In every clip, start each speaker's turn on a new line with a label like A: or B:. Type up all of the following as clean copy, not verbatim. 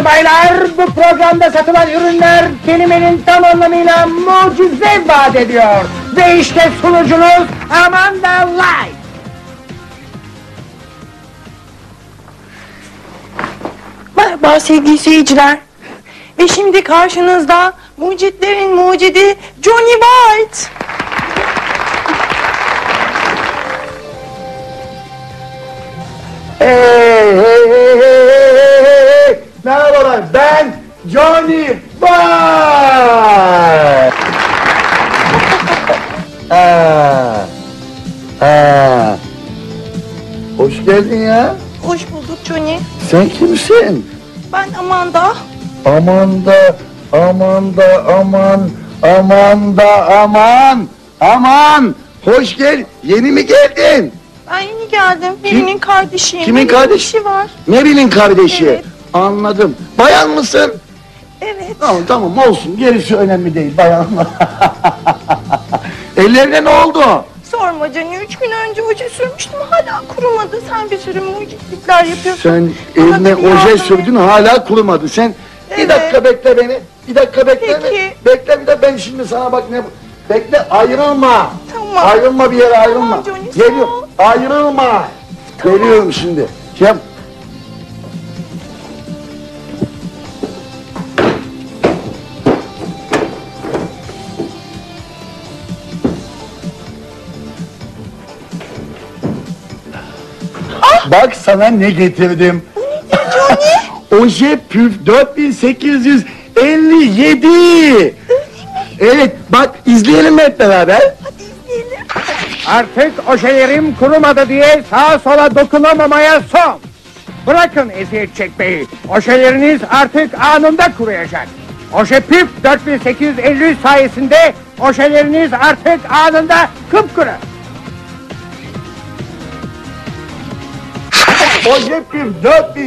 A: Hanımlar baylar, bu programda satılan ürünler kelimenin tam anlamıyla mucize vaat ediyor. Ve işte sunucunuz Amanda Light.
B: Merhaba sevgili seyirciler. Ve şimdi karşınızda mucitlerin mucidi Johnny White.
C: Hey! Merhabalar, ben Johnny White. Hoş geldin ya.
B: Hoş bulduk Johnny.
C: Sen kimsin?
B: Ben Amanda.
C: Aman. Hoş gel. Yeni mi geldin?
B: Ben yeni geldim. Birinin kardeşiyim.
C: Kimin kardeşi?
B: işi var.
C: Mary'nin kardeşi.
B: Evet.
C: Anladım. Bayan mısın?
B: Evet.
C: Tamam olsun. Gerisi önemli değil. Bayan mı? Ellerine ne oldu?
B: Sorma Johnny. 3 gün önce oje sürmüştüm. Hala kurumadı. Sen bir sürü mucitlikler yapıyorsun.
C: Sen
B: Bana
C: eline
B: da bir yardım
C: oje
B: et.
C: sürdün hala kurumadı. Sen bir
B: Evet.
C: dakika bekle beni. Bir dakika bekle
B: Peki.
C: beni. Bekle bir de ben şimdi sana bak ne... Bekle ayrılma.
B: Tamam.
C: Ayrılma bir yere ayrılma.
B: Tamam Johnny, sağ
C: Geliyor.
B: ol.
C: Ayrılma.
B: Tamam.
C: Geliyorum şimdi. Yap. Bak sana ne getirdim. Oje püf 4857. Evet bak izleyelim hep beraber.
B: Hadi izleyelim.
A: Artık ojelerim kurumadı diye sağa sola dokunamamaya son. Bırakın eziyet çekmeyi. Ojeleriniz artık anında kuruyacak. Oje Püf 4853 sayesinde ojeleriniz artık anında kıpkırı.
C: Oje püf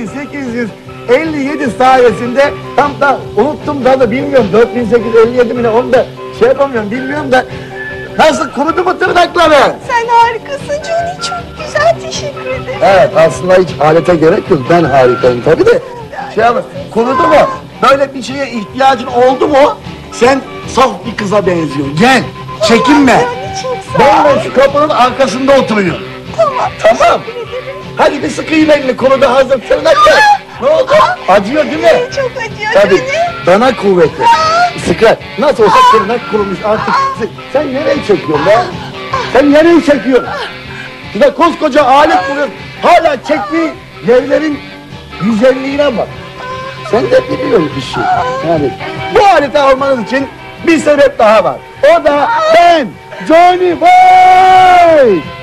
C: 4857 sayesinde tam da unuttum da bilmiyorum 4857 mi ne onu da şey yapamıyorum bilmiyorum da nasıl kurudu mu tırnakları?
B: Sen harikasın Johnny. Çok güzel. Teşekkür ederim.
C: Evet aslında hiç alete gerek yok ben harikayım tabi de şey ama kurudu mu böyle bir şeye ihtiyacın oldu mu sen saf bir kıza benziyorsun gel çekinme
B: Johnny çok sağ ol.
C: ben şu kapının arkasında oturuyorum
B: Tamam.
C: tamam
B: Teşekkür ederim.
C: hadi bir sıkayım elini kurudu hazır tırnaklar ne oldu acıyor değil mi?
B: Çok acıyor
C: Tabii
B: Johnny.
C: dana kuvveti sıkar nasıl olsa tırnak kurumuş artık sen nereye çekiyorsun be sen nereye çekiyorsun şurada koskoca alet buluyorsun hala çektiği yerlerin güzelliğine bak sen de biliyorsun işi yani bu aleti almanız için bir sebep daha var o da ben Johnny White.